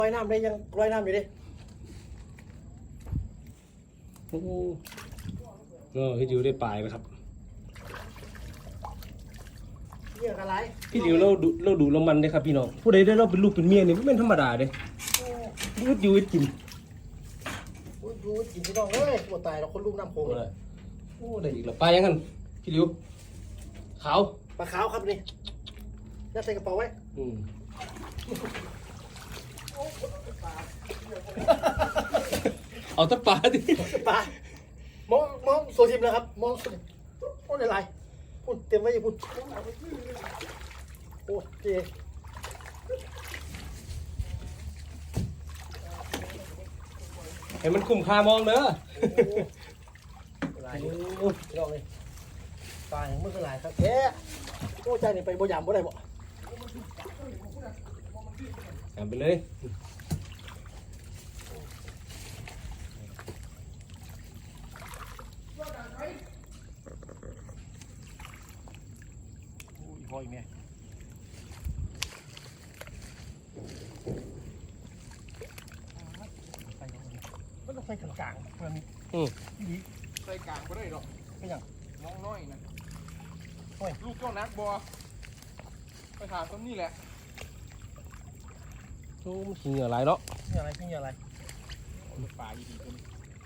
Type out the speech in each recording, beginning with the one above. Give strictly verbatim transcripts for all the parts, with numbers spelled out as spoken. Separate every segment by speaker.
Speaker 1: ลอยน้ำได้ยังลอยน้ำอยู่ดิ
Speaker 2: โอ้เออพี่ดิวได้ปลายไหมครับ
Speaker 1: เยอะกันไร
Speaker 2: พี่ดิวเราดูเราดูเรามันเลยครับพี่น้องผู้ใดได้เราเป็นลูกเป็นเมียนี่ไม่เป็นธรรมดาเลยพูดอยู่กิน
Speaker 1: พูดอยู่กินพี่น้องเลยปวดตายเราคนลูกน้ำโขงเลย
Speaker 2: โอ้ได้อีกแล้วปลายังกันพี่ดิวขาว
Speaker 1: ปลาขาวครับนี่ยัดใส่กระเป๋าไว้
Speaker 2: อืมเอาตะปลาดิ
Speaker 1: ปลามองมองโซชิมแล้วครับมองพูดอะไรพูดเต็มไว้อย่าพูดโอ้เจ
Speaker 2: ให้มันคุ้มค่ามองเด้อ
Speaker 1: อะไรพี่น้องเลยปลาอย่างมือคืออะไรครับแกโอ้ใจนี่ไปบ่ยามบ่ได้บ่
Speaker 2: ทำไปเลย
Speaker 1: พอยแม่มันต้องใส่กลางๆมันดี
Speaker 3: ใส่กลางก็ได้หรอก
Speaker 1: ไม่ยัง
Speaker 3: น้องน้อยนะลูกเจ้านักบัวไปถามต้นนี่แหละ
Speaker 2: โอ้มันเหงื่อไหลเนาะ
Speaker 1: เหงื่ออะไรเหงื่ออะไร
Speaker 3: ป่าดีดีคน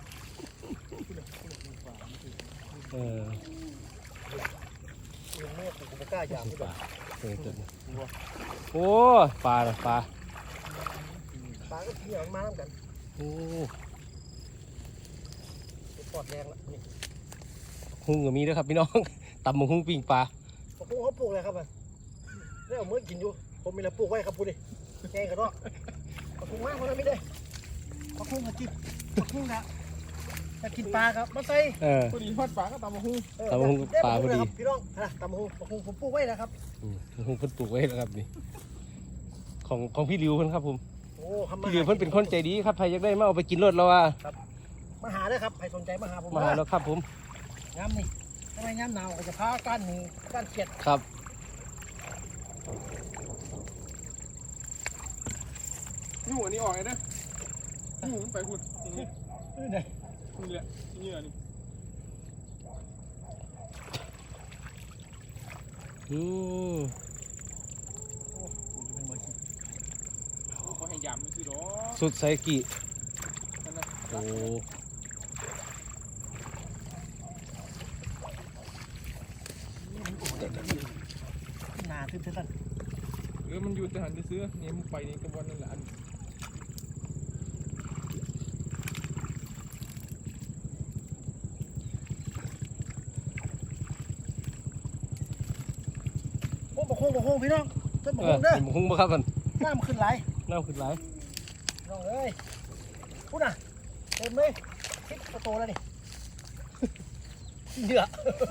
Speaker 2: เออ
Speaker 1: ยังไม่ถูกกล้าจับ
Speaker 2: ปลาเออตัวโอ้ปลาปลา
Speaker 1: ปลาก็เหงื่อมาน้ำกัน
Speaker 2: โอ้
Speaker 1: ปอดแดงละนี่
Speaker 2: หุ้งก็มีด้วยครับพี่น้องตำมังหุ้งปิ้งปลา
Speaker 1: ปลาพุ่งเขาปลูกอะไรครับมันได้เอาเมื่อกินอยู่ผมมีอะไรปลูกไว้ครับพูดดิแกงกันเนาะปลาพุ่งมากเพราะนั้นไม่ได้ปลาพุ่งมาจิบปลาพุ่งนะจะกินปลาครับมาใส่
Speaker 3: พอดีทอดปลาก็ตำมะฮุ่ง
Speaker 2: ตำมะฮุ่งปลาพอดี
Speaker 1: พี่น้องนะตำมะฮุ่งปลาพุ่งผมปลูกไว้นะครับ
Speaker 2: มะฮุ่งเพิ่นปลูกไว้แล้วครับนี่ของของพี่ริวเพิ่นครับผม
Speaker 1: โอ้
Speaker 2: พี่ริวเพิ่นเป็นคนใจดีครับใครอยากได้มาเอาไปกินรถเราว่า
Speaker 1: มาหาเลยครับใครสนใจมาหาผม
Speaker 2: มาหาแล้วครับผม
Speaker 1: ย้ำนี่ทำไมย้ำหนาวก็จะพาก้านหนึ่งก้านเขียด
Speaker 2: ครับ
Speaker 3: นี่หัวนี้ออกเลยนะนี่หัวไปหุ่นนี่
Speaker 1: นี่ไหน
Speaker 3: นี่แหละนี่แหละนี่
Speaker 2: อืม
Speaker 3: เขาให้ยำไม่ซื้อหรอ
Speaker 2: สุดไซกิโอ้
Speaker 1: นาทึบเท่านั้น
Speaker 3: เออมันอยู่แต่หันจะซื้อเนี่ยมันไปนี่กระบวนนั่นแหละอัน
Speaker 1: โอ้บกฮงบกฮงพี่น้องต้นบกฮงเด้อบ
Speaker 2: กฮงบ่ครับมัน
Speaker 1: น้ำขึ้นไหล
Speaker 2: น้ำขึ้นไหล
Speaker 1: น้องเอ้ยพูดน่ะเต็มเลยคิดโตแล้วนี่เหยื่อ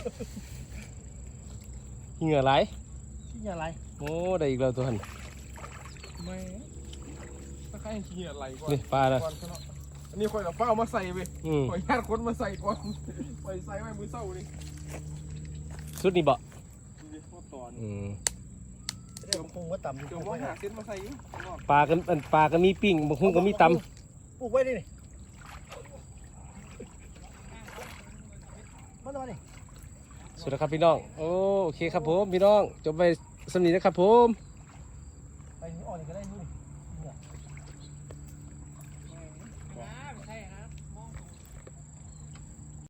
Speaker 2: เหงื่อไหล
Speaker 1: เหงื่อไหล
Speaker 2: โอ้ได้อีกแล้วตัวหัน
Speaker 3: ไม่ถ้าใครขี้อะไรก่อน
Speaker 2: นี่ปลาละ
Speaker 3: อันนี้คอยเอาเป้ามาใส่ไปคอยญาติคนมาใส่ก่อนไปใส่ไว้มือเศร้านี่
Speaker 2: สุดนี่บ่
Speaker 3: ตอน
Speaker 2: อืม
Speaker 1: เดี๋ยวคงว่าต่ำ
Speaker 3: เดี๋ยวว่าหาเส้นมาใส่
Speaker 2: ปลากันปลากันมีปิ้งบางคนก็มีตำ
Speaker 1: ปลูกไว้ดิมาหน่อยดิ
Speaker 2: สุดแล้วครับพี่น้องโอเคครับผมพี่น้องจบไปสำนีนะครับผม
Speaker 1: ไปอ่อนก็ได้